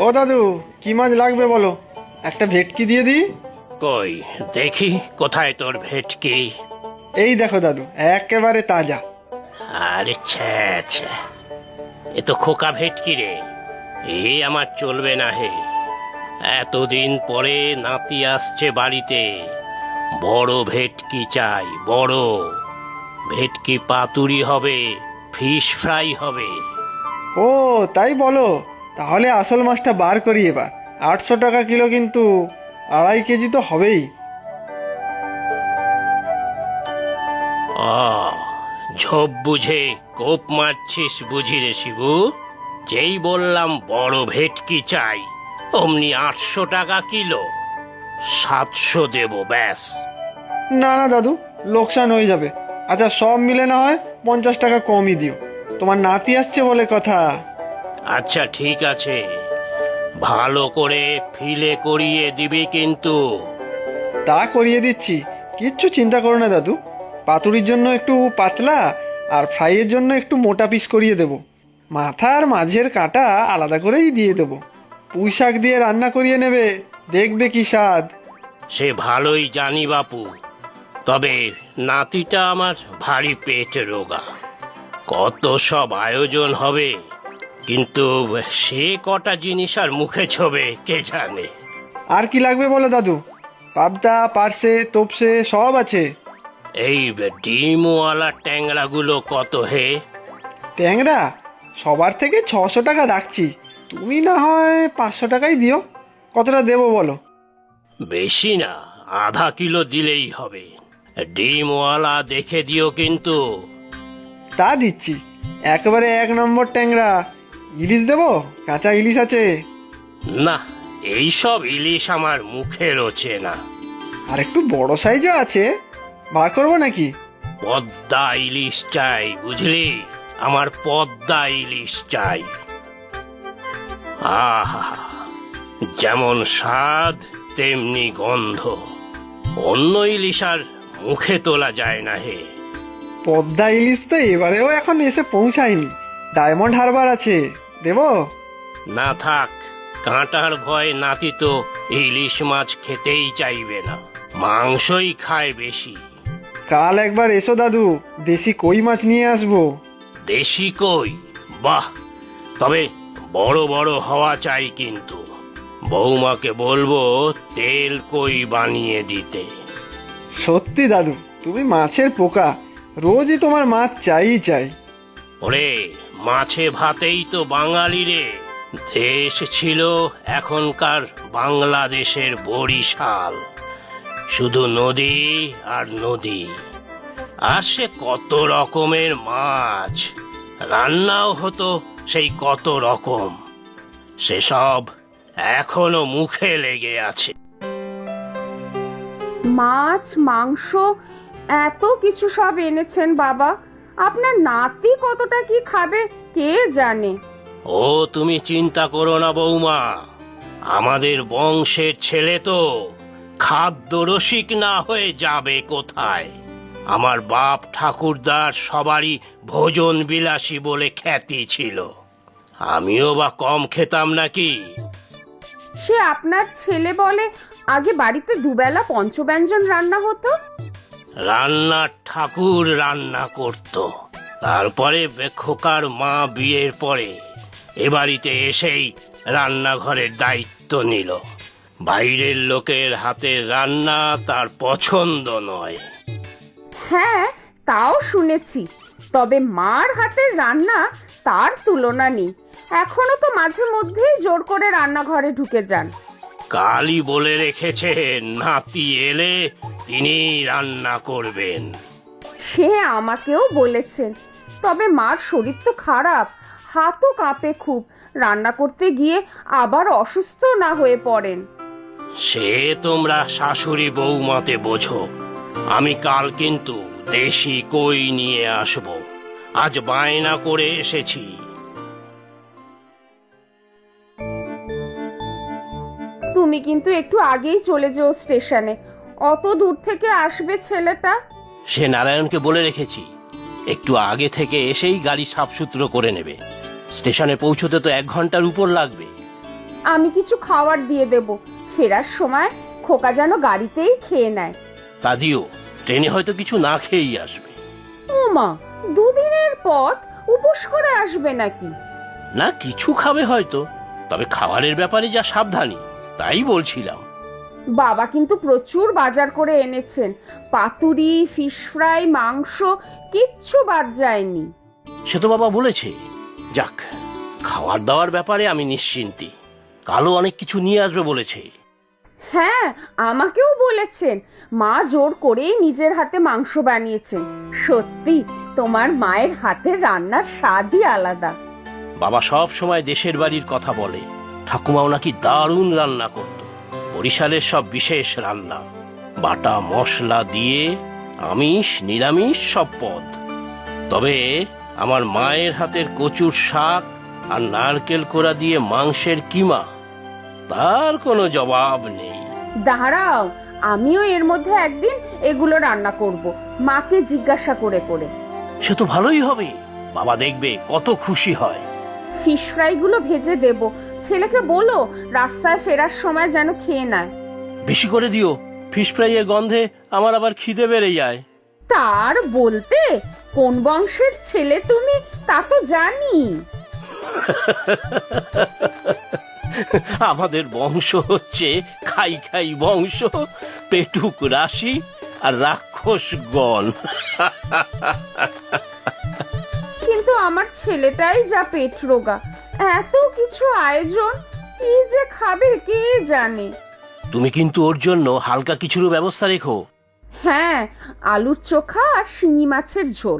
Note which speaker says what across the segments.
Speaker 1: ও দাদু, কি মাছ লাগবে বলো, একটা ভেটকি দিয়ে দিই।
Speaker 2: কই দেখি কোথায় তোর ভেটকি।
Speaker 1: এই দেখো দাদু, একেবারে তাজা।
Speaker 2: আরে ছ্যা ছ্যা, এ তো খোকা ভেটকি রে। আমার চলবে না হে। এতদিন পরে নাতি আসছে বাড়িতে, বড় ভেটকি চাই, বড় ভেটকি। পাতুরি হবে, ফিশ ফ্রাই হবে।
Speaker 1: ও তাই বলো, তাহলে আসল মাছটা বার করি এবার। 800 টাকা কিলো, কিন্তু 2.5 কেজি তো হবেই।
Speaker 2: ও, ঝোপ বুঝে কোপ মারছিস বুঝি রে শিবু। যেই বললাম বড় ভেটকি চাই, অমনি 800 টাকা কিলো। 700 দেব ব্যাস।
Speaker 1: না না দাদু, লোকসান হয়ে যাবে। আচ্ছা, সব মিলে না হয় 50 টাকা কমই দিও, তোমার নাতি আসছে বলে কথা।
Speaker 2: আচ্ছা ঠিক আছে, ভালো করে ফিলে করিয়ে দিবি কিন্তু।
Speaker 1: তা করিয়ে দিচ্ছি, কিচ্ছু চিন্তা করো না দাদু। পাতুরির জন্য একটু পাতলা, আর ফ্রাইয়ের জন্য একটু মোটা পিস করিয়ে দেব। মাথা আর মাঝের কাঁটা আলাদা করেই দিয়ে দেবো। পুঁই শাক দিয়ে রান্না করিয়ে নেবে, দেখবে কি স্বাদ।
Speaker 2: সে ভালোই জানি বাপু, তবে নাতিটা আমার ভারী পেট রোগা। কত সব আয়োজন হবে, কিন্তু সে কটা জিনিস আর মুখে ছোবে কে জানে।
Speaker 1: আর কি লাগবে বলো দাদু, পাবদা, পার্সে, তোপসে সব আছে।
Speaker 2: এই ডিমওয়ালা ট্যাংরাগুলো কত হে?
Speaker 1: ট্যাংরা সবার থেকে 600 টাকা রাখছি, তুমি না হয় 500 টাকাই দিও। কতটা দেবো বলো?
Speaker 2: বেশি না, আধা কিলো দিলেই হবে। ডিমওয়ালা দেখে দিও কিন্তু।
Speaker 1: তা দিচ্ছি, একেবারে 1 নম্বর ট্যাংরা। ইলিশ দেবো? কাঁচা ইলিশ আছে।
Speaker 2: না, এইসব ইলিশ আমার মুখে রোচে না।
Speaker 1: আর একটু বড় সাইজও আছে, বার করবো নাকি?
Speaker 2: পদ্মা ইলিশ চাই বুঝলি, আমার পদ্মা ইলিশ চাই। আহা, যেমন স্বাদ তেমনি গন্ধ। অন্য ইলিশ আর মুখে তোলা যায় না হে।
Speaker 1: পদ্মা ইলিশ তো এবারেও এখন এসে পৌঁছায়নি। ডায়মন্ড হারবার আছে, দেবো?
Speaker 2: না থাক, কাঁটার ভয় নাতি তো ইলিশ মাছ খেতেই চাইবে না, মাংসই খায় বেশি।
Speaker 1: কাল একবার এসো দাদু, দেশি কই মাছ নিয়ে আসবো।
Speaker 2: দেশি কই? বাহ, তবে বড় বড় হওয়া চাই কিন্তু। বৌমাকে বলবো তেল কই বানিয়ে দিতে।
Speaker 1: সত্যি দাদু, তুমি মাছের পোকা, রোজই তোমার মাছ চাই চাই।
Speaker 2: ওরে, মাছে ভাতেই তো বাঙালি রে। দেশ ছিল এখনকার বাংলাদেশের বরিশাল, শুধু নদী আর নদী। আর সে কত রকমের মাছ, রান্নাও হতো সেই কত রকম। সেসব এখনো মুখে লেগে আছে।
Speaker 3: মাছ, মাংস, এত কিছু সব এনেছেন বাবা। আপনার নাতি কতটা কি খাবে কে জানে।
Speaker 2: ও তুমি চিন্তা করো না বৌমা, আমাদের বংশের ছেলে তো খাদ্য রসিক না হয়ে যাবে কোথায়। আমার বাপ ঠাকুরদার সবারই ভোজন বিলাসী বলে খ্যাতি ছিল, আমিও বা কম খেতাম নাকি?
Speaker 3: সে আপনার ছেলে বলে আগে বাড়িতে দুবেলা পঞ্চব্যঞ্জন রান্না হতো।
Speaker 2: রান্না ঠাকুর রান্না করত, তারপরে খোকার মা বিয়ের পরে এ বাড়িতে এসেই রান্নাঘরের দায়িত্ব নিল। বাইরের লোকের হাতের রান্না তার পছন্দ নয়।
Speaker 3: হ্যাঁ, তাও শুনেছি, তবে মার হাতের রান্না তার তুলনা নেই। এখনো তো মাঝে মধ্যেই জোর করে রান্নাঘরে ঢুকে যান।
Speaker 2: কালই বলে রেখেছে নাতি এলে তিনি রান্না করবেন।
Speaker 3: সে আমাকেও বলেছেন, তবে মার শরীর তো খারাপ, হাতও কাঁপে খুব। রান্না করতে গিয়ে আবার অসুস্থ না হয়ে পড়েন।
Speaker 2: সে তোমরা শাশুড়ি বৌমাতে বোঝো। আমি কাল কিন্তু দেশি কই নিয়ে আসব, আজ বায়না করে এসেছি।
Speaker 3: তুমি কিন্তু একটু আগেই চলে যেও স্টেশনে, অত দূর থেকে আসবে ছেলেটা।
Speaker 2: সে নারায়ণকে বলে রেখেছি, একটু আগে থেকে এসেই গাড়ি সাফসুতরো করে নেবে। স্টেশনে পৌঁছতে তো 1 ঘন্টার উপর লাগবে।
Speaker 3: আমি কিছু খাবার দিয়ে দেব, ফেরার সময় খোকা যেন গাড়িতেই খেয়ে নেয়।
Speaker 2: তা দিও, ট্রেনে হয়তো কিছু না খেয়েই আসবে।
Speaker 3: ও মা, দুদিনের পথ, উপোস করে আসবে নাকি?
Speaker 2: না, কিছু খাবে হয়তো, তবে খাবারের ব্যাপারে যা সাবধানী, তাই বলছিলাম।
Speaker 3: বাবা কিন্তু প্রচুর বাজার করে এনেছেন, পাতুরি, ফিশ ফ্রাই, মাংস, কিচ্ছু বাদ যায়নি।
Speaker 2: সে তো বাবা বলেছে। যাক, খাওয়ার দাওয়ার ব্যাপারে আমি নিশ্চিন্তি। কালও অনেক কিছু নিয়ে আসবে বলেছে।
Speaker 3: হ্যাঁ, আমাকেও বলেছেন, মা জোর করেই নিজের হাতে মাংস বানিয়েছেন। সত্যি তোমার মায়ের হাতের রান্নার স্বাদই আলাদা।
Speaker 2: বাবা সব সময় দেশের বাড়ির কথা বলে। ঠাকুমাও নাকি দারুণ রান্না করত, বরিশালের সব বিশেষ রান্না, বাটা মশলা দিয়ে আমিষ নিরামিষ সব পদ। তবে আমার মায়ের হাতের কচুর শাক আর নারকেল কোড়া দিয়ে মাংসের কিমা, তার কোনো জবাব নেই।
Speaker 3: দাঁড়াও, আমিও এর মধ্যে একদিন এগুলো রান্না করব, মাকে জিজ্ঞাসা করে করে।
Speaker 2: সে তো ভালোই হবে, বাবা দেখবে কত খুশি হয়।
Speaker 3: ফিশ ফ্রাই গুলো ভেজে দেব, ছেলেকে বলো রাস্তায় ফেরার সময় যেন খেয়ে নেয়।
Speaker 2: বেশি করে দিও, ফিশ ফ্রাইয়ের গন্ধে আমার আবার খিদে বেড়ে যায়।
Speaker 3: তার বলতে, কোন বংশের ছেলে তুমি তা তো জানি।
Speaker 2: আমাদের বংশ হচ্ছে খাই খাই বংশ, পেটুক রাশি আর রাক্ষসগণ।
Speaker 3: কিন্তু আমার ছেলেটাই যা পেট রোগা, এত কিছু আয়োজন, কি যে খাবে কে জানে।
Speaker 2: তুমি কিন্তু ওর জন্য হালকা কিছুর ব্যবস্থা রেখো।
Speaker 3: হ্যাঁ, আলুর চোখা আর শিঙি মাছের ঝোল।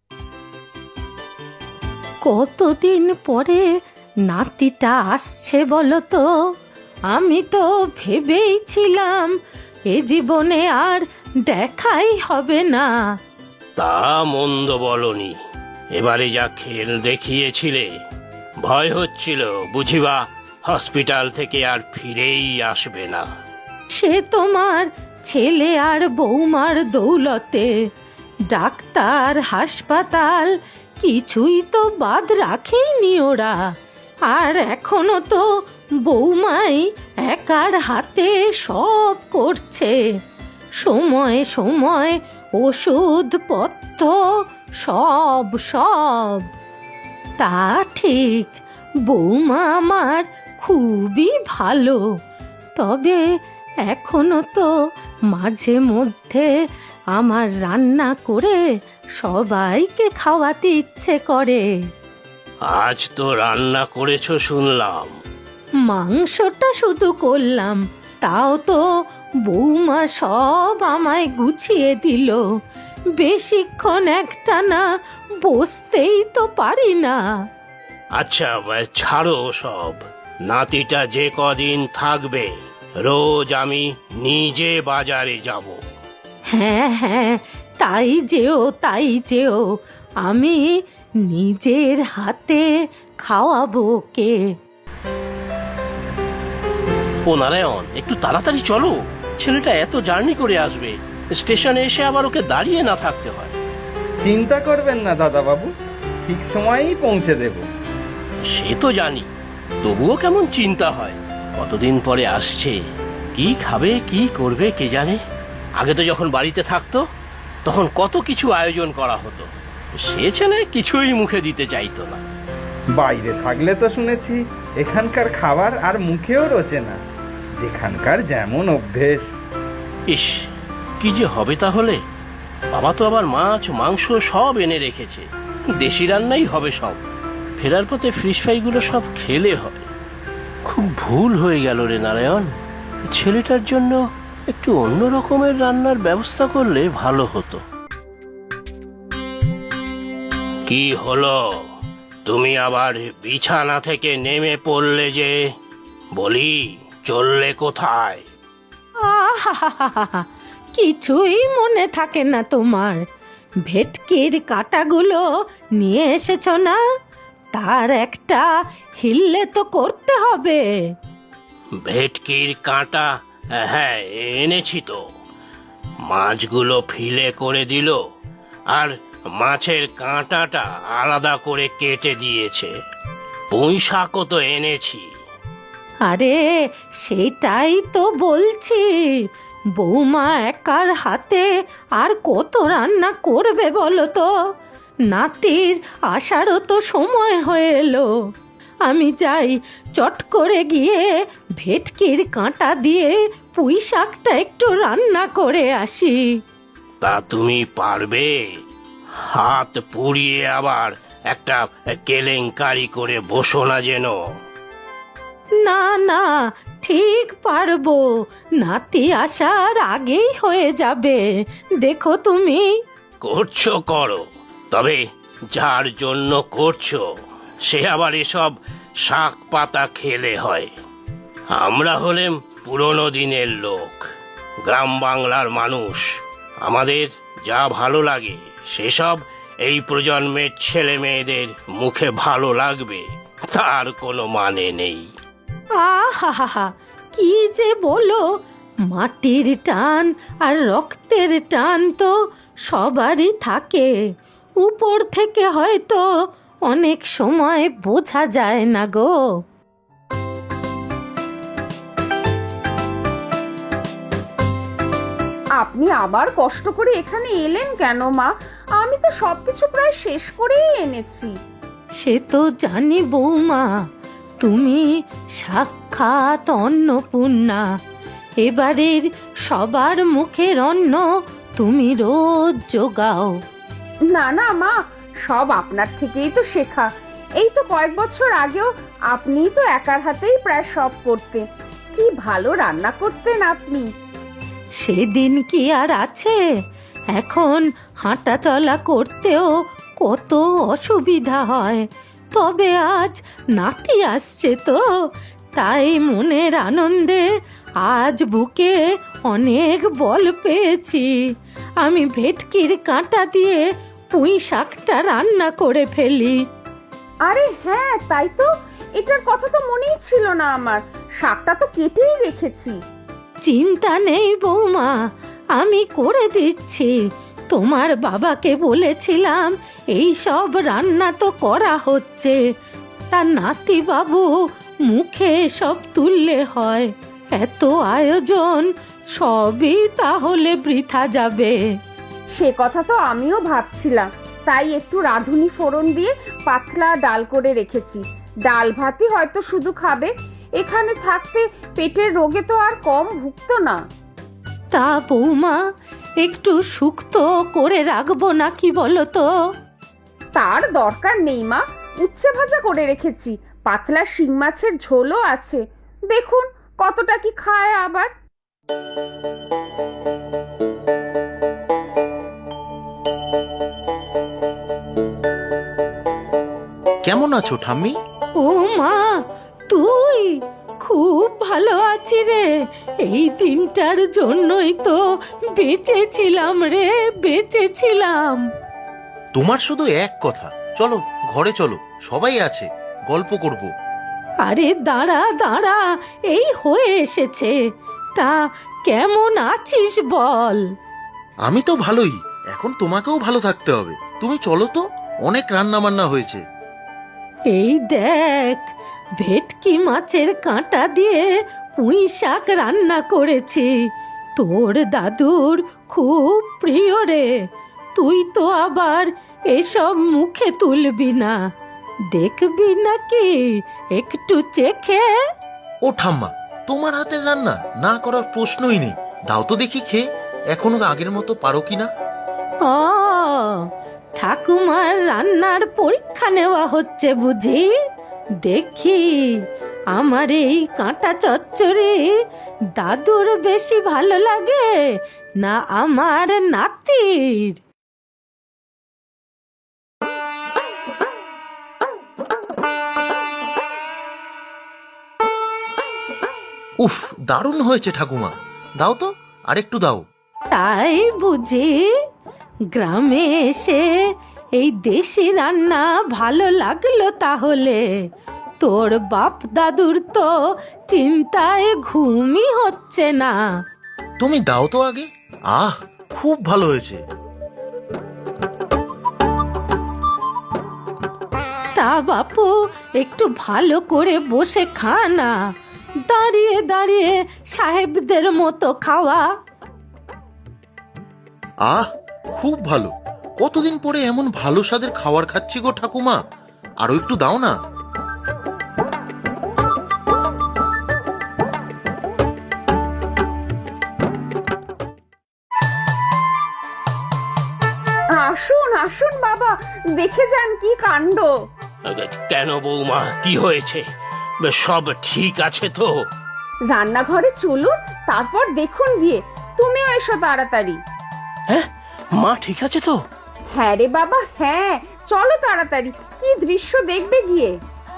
Speaker 4: কতদিন পরে নাতিটা আসছে বলো তো? আমি তো ভেবেই ছিলাম এ জীবনে আর দেখাই হবে না।
Speaker 2: তা মন্দ বলনি, এবারে যা খেল দেখিয়েছিলে, ভয় হচ্ছিল বুঝিবা হসপিটাল থেকে আর ফিরেই আসবে না।
Speaker 4: সে তোমার ছেলে আর বৌমার দৌলতে। ডাক্তার, হাসপাতাল কিছুই তো বাদ রাখেইনি ওরা। আর এখনো তো বৌমাই একার হাতে সব করছে, সময় সময় ওষুধপত্র সব সব। তা ঠিক, বৌমা আমার খুবই ভালো, তবে এখনো তো মাঝে মধ্যে আমার রান্না করে সবাইকে খাওয়াতে ইচ্ছে করে।
Speaker 2: আজ তো রান্না করেছো শুনলাম।
Speaker 4: মাংসটা শুধু করলাম, তাও তো বৌমা সব আমায় গুছিয়ে দিল। বেশিক্ষণ একটানা বসতেই তো পারি না।
Speaker 2: আচ্ছা ছাড়ো সব, নাতিটা যে কদিন থাকবে রোজ আমি নিজে বাজারে যাব।
Speaker 4: হ্যাঁ হ্যাঁ, তাই যেও তাই যেও, আমি নিজের হাতে খাওয়াবো কে।
Speaker 2: ও নারায়ণ, একটু তাড়াতাড়ি চলো, ছেলেটা এত জার্নি করে আসবে, স্টেশনে এসে আবার ওকে দাঁড়িয়ে না থাকতে হয়।
Speaker 5: চিন্তা করবেন না দাদাবাবু, ঠিক সময়েই পৌঁছে দেব।
Speaker 2: সে তো জানি, তবুও কেমন চিন্তা হয়। কতদিন পরে আসছে, কি খাবে কি করবে কে জানে। আগে তো যখন বাড়িতে থাকতো তখন কত কিছু আয়োজন করা হতো, সে ছেলে কিছুই মুখে দিতে চাইতো না।
Speaker 5: বাইরে থাকলে তো শুনেছি এখানকার খাবার আর মুখেও রোচে না, যেখানকার যেমন অভ্যেস।
Speaker 2: ইস, কি যে হবে তাহলে। বাবা তো আবার মাছ মাংস সব এনে রেখেছে, দেশি রান্নাই হবে সব। ফেরার পথে ফিশ ফ্রাইগুলো সব খেলে হবে। খুব ভুল হয়ে গেল রে নারায়ণ, ছেলেটার জন্য একটু অন্য রকমের রান্নার ব্যবস্থা করলে ভালো হতো। কি হলো, তুমি আবার বিছানা থেকে নেমে পড়লে যে? বলি, চললে কোথায়?
Speaker 4: আহা, কিছুই মনে থাকে না তোমার? ভেটকির কাঁটাগুলো নিয়ে এসেছ না? তার একটা হিল্লে তো করতে হবে।
Speaker 2: ভেটকির কাঁটা? হ্যাঁ, এনেছি তো। মাছগুলো ফিলে করে দিল আর মাছের কাঁটাটা আলাদা করে কেটে দিয়েছে। পুঁই শাকও তো এনেছি।
Speaker 4: আরে সেটাই তো বলছি, বৌমা একার হাতে আর কত রান্না করবে বলো তো? নাতির আসারও তো সময় হয়ে এলো। আমি যাই, চট করে গিয়ে ভেটকির কাঁটা দিয়ে পুঁই শাকটা একটু রান্না করে আসি।
Speaker 2: তা তুমি পারবে? হাত পুড়িয়ে আবার একটা কেলেঙ্কারি করে বসো না যেন।
Speaker 4: না না, ঠিক পারবো, নাতি আসার আগেই হয়ে যাবে, দেখো তুমি।
Speaker 2: করছো করো, তবে যার জন্য করছো সে আবার এসব শাক পাতা খেলে হয়। আমরা হলেম পুরনো দিনের লোক, গ্রাম বাংলার মানুষ। আমাদের যা ভালো লাগে সেসব এই প্রজন্মের ছেলে মেয়েদের মুখে ভালো লাগবে তার কোনো মানে নেই।
Speaker 4: আহা, কি যে বলো! মাটির টান আর রক্তের টান তো সবারই থাকে, উপর থেকে হয়তো অনেক সময় বোঝা যায় না গো।
Speaker 3: আপনি আবার কষ্ট করে এখানে এলেন কেন মা? আমি তো সবকিছু প্রায় শেষ করেই এনেছি।
Speaker 4: সে তো জানি বৌমা, তুমি সাক্ষাৎ অন্নপূর্ণা। এবারের সবার মুখের অন্ন তুমি রোজ জোগাও।
Speaker 3: না না মা, সব আপনার থেকেই তো শেখা। এই তো কয়েক বছর আগেও আপনিই তো একার হাতেই প্রায় সব করতেন। কি ভালো রান্না করতেন আপনি।
Speaker 4: সেদিন কি আর আছে? এখন হাঁটা চলা করতেও কত অসুবিধা হয়। তবে আজ নাতি আসছে তো, তাই মনের আনন্দে আজ বুকে অনেক বল পেয়েছি। আমি ভেটকির কাঁটা দিয়ে পুঁই শাকটা রান্না করে ফেলি।
Speaker 3: আরে হ্যাঁ, তাই তো, এটার কথা তো মনেই ছিল না আমার। শাকটা তো কেটেই রেখেছি।
Speaker 4: চিন্তা নেই বৌমা, আমি করে দিচ্ছি। তোমার বাবাকে বলেছিলাম এই সব রান্না তো করা হচ্ছে, তা নাতি বাবু মুখে সব তুললে হয়। এত আয়োজন সবই তাহলে বৃথা যাবে।
Speaker 3: সে কথা তো আমিও ভাবছিলাম, তাই একটু রাঁধুনি ফোড়ন দিয়ে পাতলা ডাল করে রেখেছি। ডাল ভাতই হয়তো শুধু খাবে। এখানে থাকতে পেটের রোগে তো আর কম ভুগতো না।
Speaker 4: তা বৌমা, একটু শুক্তো করে রাখবো নাকি বলো তো?
Speaker 3: তার দরকার নেই মা, উচ্ছে ভাজা করে রেখেছি। পাতলা শিং মাছের ঝোলও আছে। দেখুন কতটা কি খায় আবার।
Speaker 6: কেমন আছো ঠাম্মি?
Speaker 4: ও মা, তুই? খুব ভালো আছি রে। এই দিনটার জন্যই তো বেঁচেছিলাম রে, বেঁচেছিলাম।
Speaker 6: তোমার শুধু এক কথা, চলো ঘরে চলো, সবাই আছে, গল্প করব।
Speaker 4: আরে দাঁড়া দাঁড়া, এই হয়ে এসেছে। তা কেমন আছিস বল?
Speaker 6: আমি তো ভালোই, এখন তোমাকেও ভালো থাকতে হবে। তুমি চলো তো, অনেক রান্না বান্না হয়েছে।
Speaker 4: এই দেখ, ভেটকি মাছের কাঁটা দিয়ে পুঁই শাক রান্না করেছি। তোর দাদুর খুব প্রিয় রে। তুই তো আবার এসব মুখে তুলবি না, দেখবি নাকি একটু চেখে?
Speaker 6: ও ঠাম্মা, তোমার হাতের রান্না না করার প্রশ্নই নেই। দাও তো দেখি খেয়ে, এখনো আগের মতো পারো কিনা।
Speaker 4: ও, ঠাকুমার রান্নার পরীক্ষা নেওয়া হচ্ছে বুঝি? দেখি আমার এই কাঁটা চচ্চড়ি দাদুর বেশি ভালো লাগে না আমার নাতির।
Speaker 6: উফ, দারুণ হয়েছে ঠাকুমা, দাও তো, আরেকটু দাও।
Speaker 4: তাই বুঝি? গ্রামে এসে এই দেশি রান্না ভালো লাগলো তাহলে? তোর বাপ দাদুর তো চিন্তায় ঘুমই হচ্ছে না।
Speaker 6: তুমি দাও তো আগে। আহ, খুব ভালো হয়েছে।
Speaker 4: তা বাপু, একটু ভালো করে বসে খা না, দাঁড়িয়ে দাঁড়িয়ে সাহেবদের মতো খাওয়া।
Speaker 6: আহ, খুব ভালো। কতদিন পরে এমন ভালো স্বাদের খাবার খাচ্ছি গো ঠাকুমা, আরো একটু দাও না।
Speaker 3: আসুন আসুন বাবা, দেখে যান কি কাণ্ড।
Speaker 2: কেন বৌমা, কি হয়েছে? সব ঠিক আছে তো?
Speaker 3: রান্নাঘরে চলুন, তারপর দেখুন বিয়ে। তুমিও এসো তাড়াতাড়ি।
Speaker 2: হ্যাঁ, মা ঠিক আছে তো?
Speaker 3: হ্যাঁ রে বাবা, হ্যাঁ, চলো তাড়াতাড়ি, কি দৃশ্য দেখবে গিয়ে।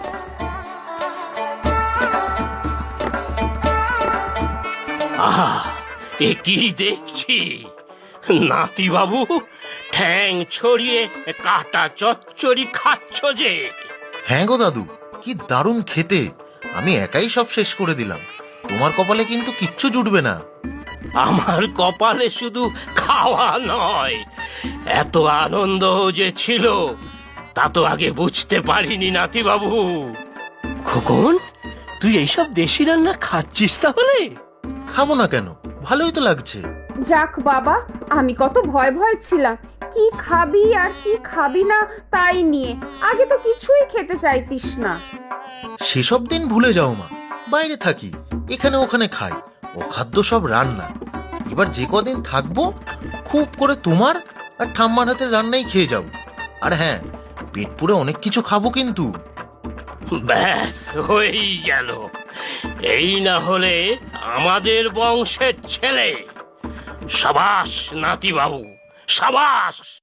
Speaker 2: আহা, এ কি দেখছি! নাতি বাবু ঠ্যাং ছড়িয়ে কাটা চচ্চড়ি খাচ্ছ যে?
Speaker 6: হ্যাঁ গো দাদু, কি দারুণ খেতে। আমি একাই সব শেষ করে দিলাম। তোমার কপালে কিন্তু কিচ্ছু জুটবে না।
Speaker 2: আমার কপালে শুধু খাওয়া নয়, এত আনন্দ যে ছিল তা তো আগে বুঝতে পারিনি নাতি বাবু। খোকন, তুই এইসব দেশি রান্না খাচ্ছিস তাহলে?
Speaker 6: খাবো না কেন, ভালোই তো লাগছে।
Speaker 3: যাক বাবা, আমি কত ভয় ভয় ছিলাম, কি খাবি আর কি খাবি না তাই নিয়ে। আগে তো কিছুই খেতে চাইতিস না।
Speaker 6: সেসব দিন ভুলে যাও মা, বাইরে থাকি, এখানে ওখানে খাই, অখাদ্য সব রান্না। এবার যে কদিন থাকবো খুব করে তোমার আর ঠাম্মার হাতের রান্নাই খেয়ে যাও। আর হ্যাঁ, পেট পুরে অনেক কিছু খাবো কিন্তু।
Speaker 2: ব্যাস হয়েই গেল। এই না হলে আমাদের বংশের ছেলে। সাবাস নাতি বাবু, সাবাস।